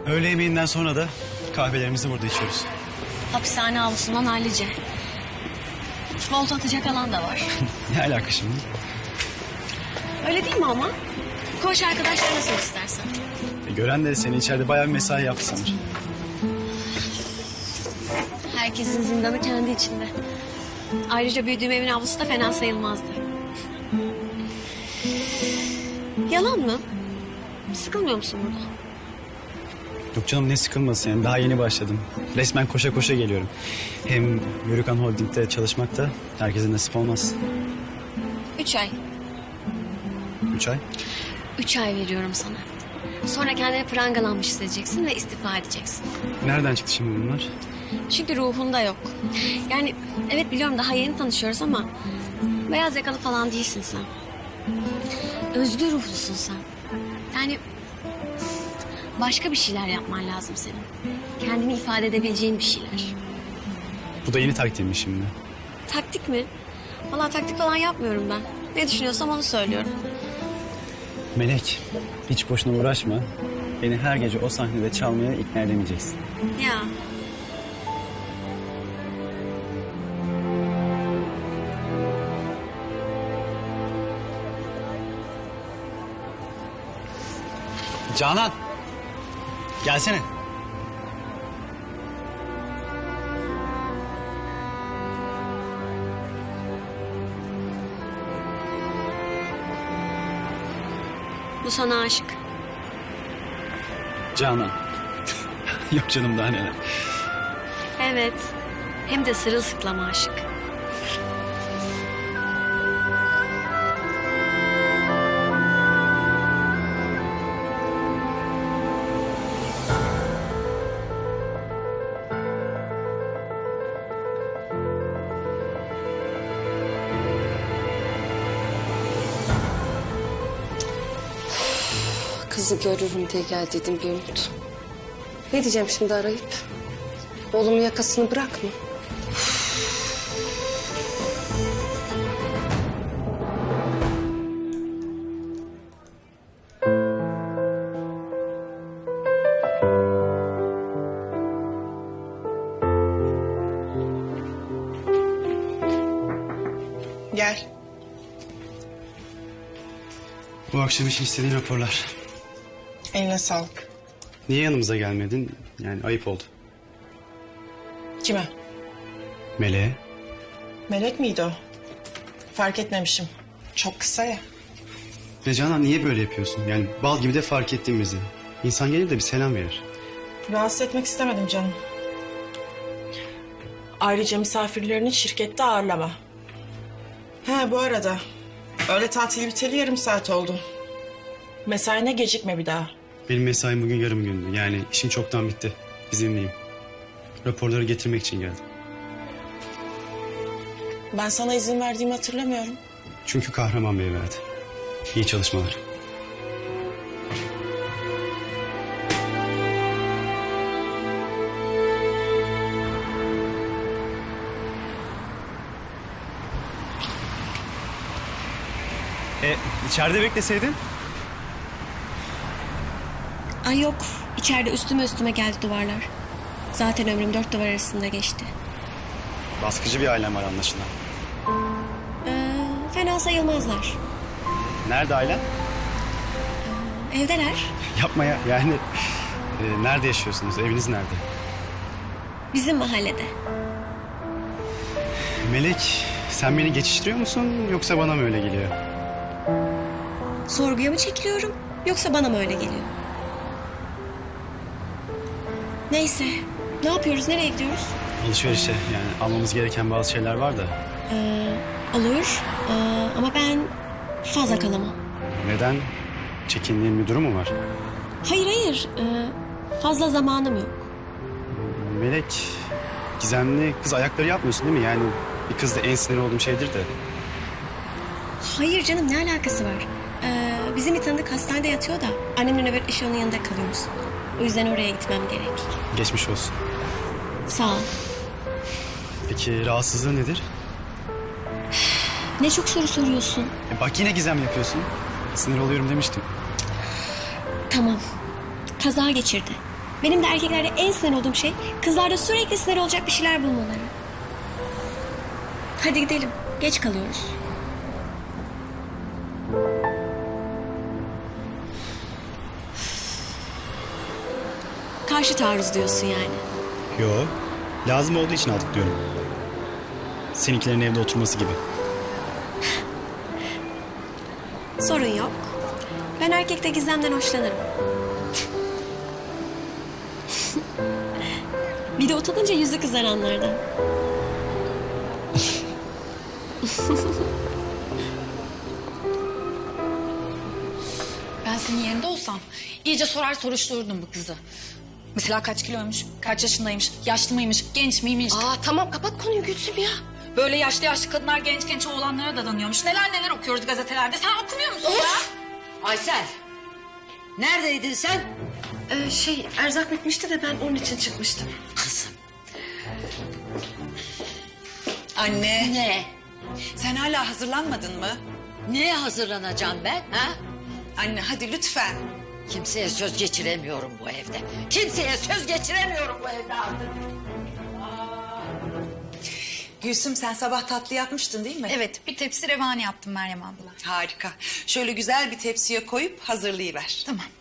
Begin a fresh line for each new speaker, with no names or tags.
Öğle yemeğinden sonra da kahvelerimizi burada içiyoruz.
Hapishane avlusundan hallice. Volta atacak alan da var.
Ne alaka şimdi?
Öyle değil mi ama? Koğuş arkadaşlar nasıl istersen.
Gören de seni içeride bayağı bir mesai yaptı sanır.
Herkesin zindanı kendi içinde. Ayrıca büyüdüğüm evin avlusu da fena sayılmazdı. Yalan mı? Sıkılmıyor musun burada?
Yok canım, ne sıkılması yani, daha yeni başladım. Resmen koşa koşa geliyorum. Hem Yörükan Holding'de çalışmak da herkese nasip olmaz.
3 ay.
3 ay.
3 ay veriyorum sana. Sonra kendini prangalanmış hissedeceksin ve istifa edeceksin.
Nereden çıktı şimdi bunlar?
Çünkü ruhunda yok. Yani evet biliyorum daha yeni tanışıyoruz ama... beyaz yakalı falan değilsin sen. Özgür ruhlusun sen. Yani başka bir şeyler yapman lazım senin. Kendini ifade edebileceğin bir şeyler.
Bu da yeni taktiğim şimdi.
Taktik mi? Vallahi taktik falan yapmıyorum ben. Ne düşünüyorsam onu söylüyorum.
Melek, hiç boşuna uğraşma. Beni her gece o sahnede çalmaya ikna edemeyeceksin.
Ya.
Canan! Gelsene.
Bu sana aşık.
Canan. Yok canım, daha neler.
Evet. Hem de sırılsıklama aşık.
Kızı görürüm diye gel dedim bir umut. Ne diyeceğim şimdi arayıp? Oğlumun yakasını bırakma.
Gel.
Bu akşam için istediğin raporlar.
Eline sağlık.
Niye yanımıza gelmedin? Yani ayıp oldu.
Kime?
Meleğe.
Melek miydi o? Fark etmemişim. Çok kısa ya.
Ve Canan, niye böyle yapıyorsun? Yani bal gibi de fark ettin bizi. İnsan gelir de bir selam verir.
Rahatsız etmek istemedim canım. Ayrıca misafirlerini şirkette ağırlama. He bu arada. Öğle tatili biteli yarım saat oldu. Mesaine gecikme bir daha.
Benim mesaim bugün yarım gündü. Yani işim çoktan bitti. İzinliyim. Raporları getirmek için geldim.
Ben sana izin verdiğimi hatırlamıyorum.
Çünkü Kahraman Bey verdi. İyi çalışmalar. İçeride bekleseydin.
Ay yok. İçeride üstüme geldi duvarlar. Zaten ömrüm 4 duvar arasında geçti.
Baskıcı bir ailem var anlaşılan.
Fena sayılmazlar.
Nerede ailen?
Evdeler.
Yapma ya. Yani nerede yaşıyorsunuz? Eviniz nerede?
Bizim mahallede.
Melek, sen beni geçiştiriyor musun yoksa bana mı öyle geliyor?
Sorguya mı çekiliyorum yoksa bana mı öyle geliyor? Neyse. Ne yapıyoruz? Nereye gidiyoruz?
Alışverişe, yani almamız gereken bazı şeyler var da.
Olur. Ama ben fazla kalamam.
Neden? Çekindiğin bir durum mu var?
Hayır. Fazla zamanım yok.
Melek, gizemli kız ayakları yapmıyorsun değil mi? Yani bir kızda en sinir olduğum şeydir de.
Hayır canım, ne alakası var? Bizim bir tanıdık hastanede yatıyor da annemle nöbetleşi onun yanında kalıyoruz. O yüzden oraya gitmem gerek.
Geçmiş olsun.
Sağ ol.
Peki rahatsızlığı nedir?
Ne çok soru soruyorsun.
Bak yine gizem yapıyorsun. Sinir oluyorum demiştim.
Tamam. Kaza geçirdi. Benim de erkeklerde en sinir olduğum şey kızlarda sürekli sinir olacak bir şeyler bulmaları. Hadi gidelim. Geç kalıyoruz. Karşı taarruz diyorsun yani.
Yo, lazım olduğu için aldık diyorum. Seninkilerin evde oturması gibi.
Sorun yok. Ben erkekte gizemden hoşlanırım. Bir de utanınca yüzü kızaranlardan.
Ben senin yerinde olsam iyice sorar soruştururdum bu kızı. Mesela kaç kiloymuş, kaç yaşındaymış, yaşlı mıymış, genç miymiş?
Tamam kapat konuyu Gülsüm ya.
Böyle yaşlı yaşlı kadınlar genç genç oğlanlara dadanıyormuş. Neler neler okuyoruz gazetelerde. Sen okumuyor musun ya?
Aysel, neredeydin sen?
Erzak bitmişti de ben onun için çıkmıştım.
Kızım.
Anne,
Ne?
sen hala hazırlanmadın mı?
Neye hazırlanacağım ben? Ha?
Anne hadi lütfen.
Kimseye söz geçiremiyorum bu evde. Kimseye söz geçiremiyorum bu evde artık.
Gülsüm sen sabah tatlı yapmıştın değil mi?
Evet, bir tepsi revani yaptım Meryem abla.
Harika. Şöyle güzel bir tepsiye koyup hazırlayıver.
Tamam.